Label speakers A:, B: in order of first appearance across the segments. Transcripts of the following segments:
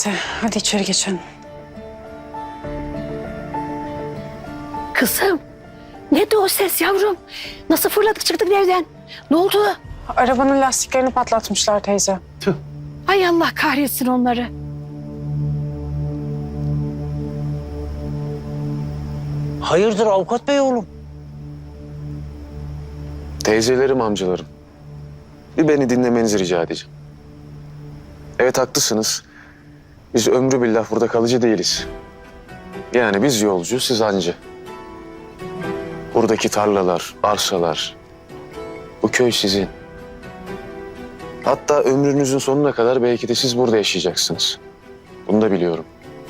A: bitti. Hadi içeri geçelim.
B: Kızım, ne de o ses yavrum? Nasıl fırladık çıktık evden? Ne oldu?
A: Arabanın lastiklerini patlatmışlar teyze.
B: Ay Allah kahretsin onları.
C: Hayırdır avukat bey oğlum?
D: Teyzelerim, amcalarım. Bir beni dinlemenizi rica edeceğim. Evet, haklısınız. Biz ömrü billah burada kalıcı değiliz. Yani biz yolcu, siz hancı. Buradaki tarlalar, arsalar, bu köy sizin. Hatta ömrünüzün sonuna kadar belki de siz burada yaşayacaksınız. Bunu da biliyorum.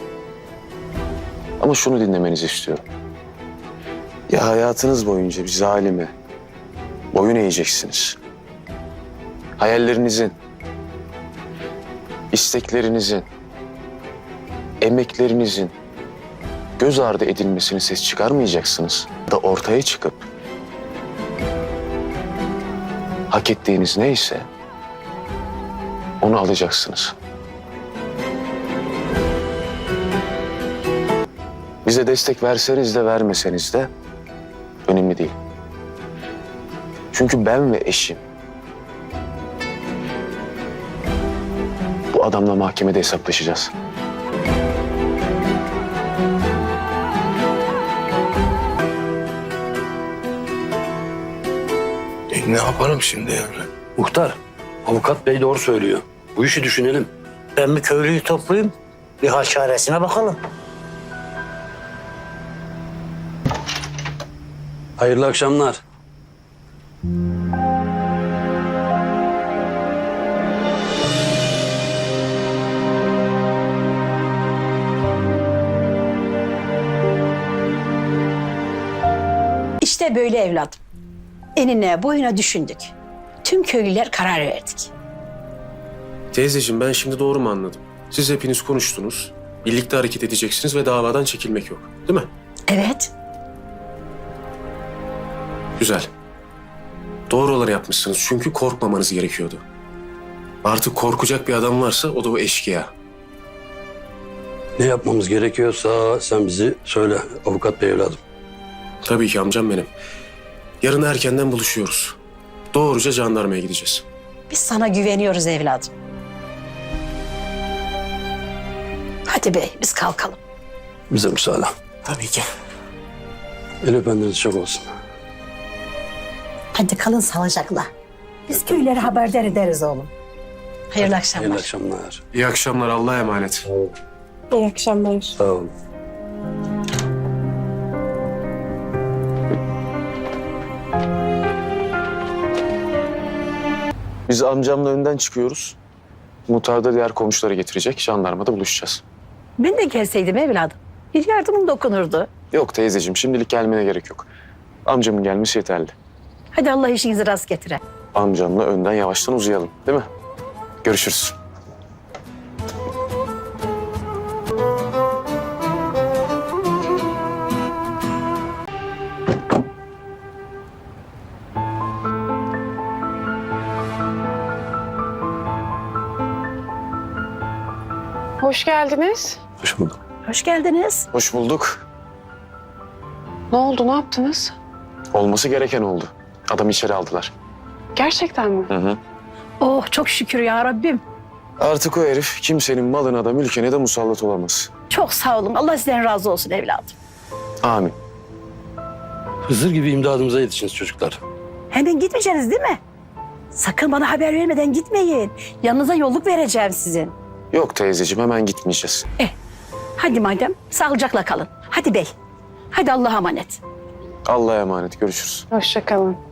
D: Ama şunu dinlemenizi istiyorum. Ya hayatınız boyunca bir zalime boyun eğeceksiniz. Hayallerinizin, isteklerinizin, emeklerinizin göz ardı edilmesini ses çıkarmayacaksınız. Da ortaya çıkıp hak ettiğiniz neyse onu alacaksınız. Bize destek verseniz de vermeseniz de önemli değil. Çünkü ben ve eşim bu adamla mahkemede hesaplaşacağız.
E: Ne yapalım şimdi yani?
C: Muhtar, avukat bey doğru söylüyor. Bu işi düşünelim.
F: Ben bir köylüyü toplayayım, bir hal çaresine bakalım.
C: Hayırlı akşamlar.
B: İşte böyle evladım. Enine boyuna düşündük. Tüm köylüler karar verdik.
G: Teyzeciğim, ben şimdi doğru mu anladım? Siz hepiniz konuştunuz, birlikte hareket edeceksiniz ve davadan çekilmek yok, değil mi?
B: Evet.
G: Güzel. Doğru olanı yapmışsınız çünkü korkmamanız gerekiyordu. Artık korkacak bir adam varsa o da o eşkıya.
C: Ne yapmamız gerekiyorsa sen bizi söyle avukat bey evladım.
G: Tabii ki amcam benim. Yarın erkenden buluşuyoruz. Doğruca jandarmaya gideceğiz.
B: Biz sana güveniyoruz evladım. Hadi bey biz kalkalım.
C: Bize müsaade.
F: Tabii ki.
C: El öpenleriniz çok olsun.
B: Hadi kalın sağlıcakla. Biz köylere haberdar ederiz oğlum. Hayırlı akşamlar.
C: Hayırlı akşamlar.
G: İyi akşamlar, Allah'a emanet.
A: İyi akşamlar.
C: Sağ olun.
D: Biz amcamla önden çıkıyoruz. Muhtar da diğer komşuları getirecek. Jandarmada buluşacağız.
B: Ben de gelseydim evladım. Bir yardımım dokunurdu.
D: Yok teyzeciğim, şimdilik gelmene gerek yok. Amcamın gelmesi yeterli.
B: Hadi Allah işinizi rast getire.
D: Amcamla önden yavaştan uzayalım, değil mi? Görüşürüz.
A: Hoş geldiniz.
D: Hoş bulduk.
B: Hoş geldiniz.
D: Hoş bulduk.
A: Ne oldu, ne yaptınız?
D: Olması gereken oldu. Adamı içeri aldılar.
A: Gerçekten mi?
D: Hı hı.
B: Oh çok şükür ya Rabbim.
D: Artık o herif kimsenin malına da mülküne de musallat olamaz.
B: Çok sağ olun. Allah sizden razı olsun evladım.
D: Amin.
C: Hızır gibi imdadımıza yetişiniz çocuklar.
B: Hemen gitmeyeceksiniz değil mi? Sakın bana haber vermeden gitmeyin. Yanınıza yolluk vereceğim sizin.
D: Yok teyzeciğim, hemen gitmeyeceğiz.
B: Hadi madem sağlıcakla kalın. Hadi bey. Hadi Allah'a emanet.
D: Allah'a emanet, görüşürüz.
A: Hoşça kalın.